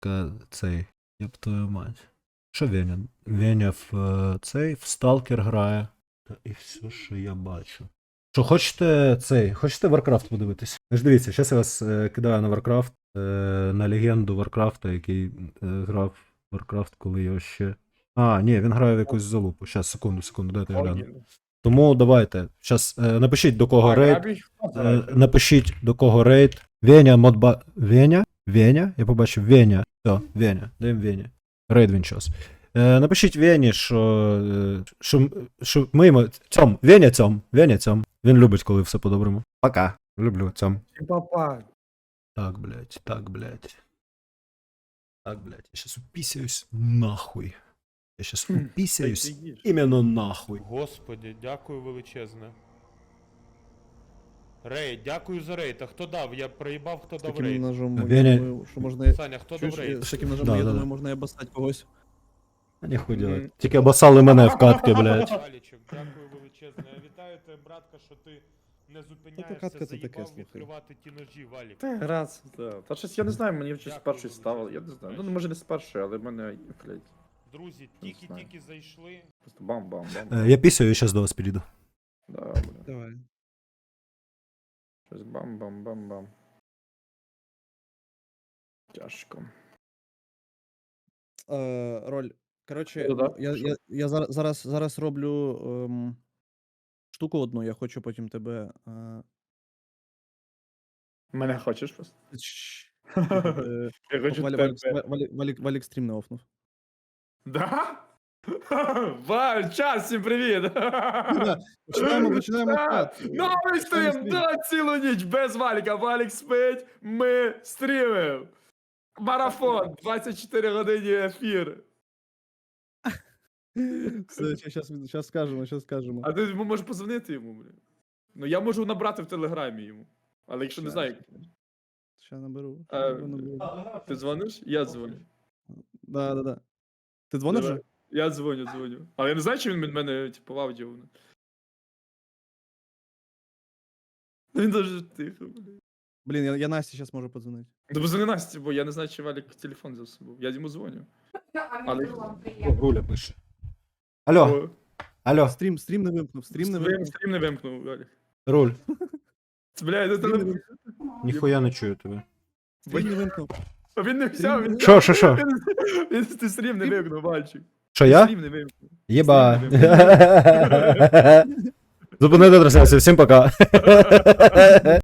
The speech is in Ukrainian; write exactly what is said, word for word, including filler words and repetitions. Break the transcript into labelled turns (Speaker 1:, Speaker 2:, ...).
Speaker 1: Ка- Цей. Єб твою мать. Що Веня? Веня в е, цей, в Сталкер грає. Та і все, що я бачу. Що, хочете цей, хочете Warcraft подивитись? Ж дивіться, зараз я вас е, кидаю на Warcraft, е, на легенду Warcraft, який е, грав в Warcraft, коли його ще. А, ні, він грає в якусь залупу. Щас, секунду, секунду, дайте я гляну. Тому давайте. Щас, е, напишіть до кого рейд. Е, напишіть до кого рейд. Веня, модба. Веня? Веня? Я побачив Веня. Все, Веня. Даємо Вені. Рейд він час. Е, напишіть Вені, що, е, що, що ми йому... Цьом, Веня цьом, Веня цьом. Він любить, коли все по-доброму. Пока. Люблю цьом.
Speaker 2: Папа.
Speaker 1: Так, блядь, так, блядь. Так, блядь, я щас уписаюсь нахуй. Я щас уписаюсь іменно нахуй.
Speaker 3: Господи, дякую величезне. Рейд, дякую за рейд. А хто дав? Я проїбав, хто
Speaker 2: З
Speaker 3: дав
Speaker 2: таким
Speaker 3: рейд.
Speaker 2: ножом,
Speaker 1: Веня-
Speaker 2: я думаю, що можна...
Speaker 3: Саня, хто
Speaker 2: Чуєш,
Speaker 3: дав рейд?
Speaker 2: з таким ножом,
Speaker 1: Да,
Speaker 2: я
Speaker 1: да,
Speaker 2: думаю,
Speaker 1: да.
Speaker 2: можна і обоссать когось.
Speaker 1: А ніхуй делать. Тільки обоссали мене в катки, блядь.
Speaker 3: Валічок, дякую величезне. Я вітаю тебе, братка, що ти не зупиняєшся,
Speaker 2: катка це таке,
Speaker 3: заїбав
Speaker 2: слухай.
Speaker 3: відкривати ті ножі, Валік.
Speaker 4: Та раз, да. Та щось я не знаю, мені щось
Speaker 3: Дякую
Speaker 4: перший
Speaker 3: дуже.
Speaker 4: ставили, я не знаю. Ну може не з першої, але в мене, блядь,
Speaker 3: Друзі,
Speaker 4: знаю.
Speaker 3: тільки-тільки зайшли.
Speaker 4: просто бам-бам-бам.
Speaker 1: Е, Я пісяю і щас до вас підійду.
Speaker 4: Да, блядь.
Speaker 2: Давай.
Speaker 4: Щось бам-бам-бам-бам. Тяжко.
Speaker 2: Е, роль. Коротше,
Speaker 4: Ну да,
Speaker 2: я,
Speaker 4: що?
Speaker 2: я, я зараз, зараз, зараз роблю ем, штуку одну, я хочу потім тебе... Е,
Speaker 4: Мене хочеш просто?
Speaker 2: чш, е,
Speaker 4: Я хочу
Speaker 2: Валі-
Speaker 4: тебе.
Speaker 2: Валік, Валік, Валік, Валік стрім не офнув.
Speaker 4: Да? Валь, час, всім привіт!
Speaker 2: Починаємо, починаємо
Speaker 4: Да,
Speaker 2: чат.
Speaker 4: Новий
Speaker 2: Починаємо
Speaker 4: стрім,
Speaker 2: стрім.
Speaker 4: да, цілу ніч без Валіка. Валік спить, ми стрімимо. Марафон, двадцять чотири години ефір.
Speaker 2: Все, щас, щас скажемо, щас скажемо.
Speaker 4: А ти йому можеш позвонити йому, блін. Ну я можу набрати в телеграмі йому. Але якщо не
Speaker 2: Щас,
Speaker 4: знаю, як.
Speaker 2: Ща наберу.
Speaker 4: А,
Speaker 2: ща наберу.
Speaker 4: Ти дзвониш? Я дзвоню.
Speaker 2: Да, да, да. Ти дзвониш
Speaker 4: Давай.
Speaker 2: вже?
Speaker 4: Я дзвоню, дзвоню. Але я не знаю, чи він від мене, типу, в аудіо. Ну, він дуже тихо, блін.
Speaker 2: Блін, я, я Насті зараз можу подзвонити.
Speaker 4: Ну, позвони Насті, бо я не знаю, чи Валік телефон взяв з собою. Я йому дзвоню. Але...
Speaker 1: Руля пише. Алло,
Speaker 4: О,
Speaker 1: алло,
Speaker 2: Стрім, стрім не вимкнув, стрім не
Speaker 4: стрім,
Speaker 2: вимкнув.
Speaker 4: стрім не вимкнув, Валік.
Speaker 1: Руль.
Speaker 4: Бля, це
Speaker 2: Стрім не
Speaker 4: телефон.
Speaker 2: вимкнув.
Speaker 1: Ніхуя не чую тебе.
Speaker 2: Стрім не вимкнув.
Speaker 4: А він не взяв, він...
Speaker 1: Що, що, що?
Speaker 4: Він, він ти стрім не вимкнув, мальчик.
Speaker 1: Що я?
Speaker 4: Стрім не вимкнув.
Speaker 1: Єба.
Speaker 4: Стрім не
Speaker 1: Зупинити трансляцію, всім пока.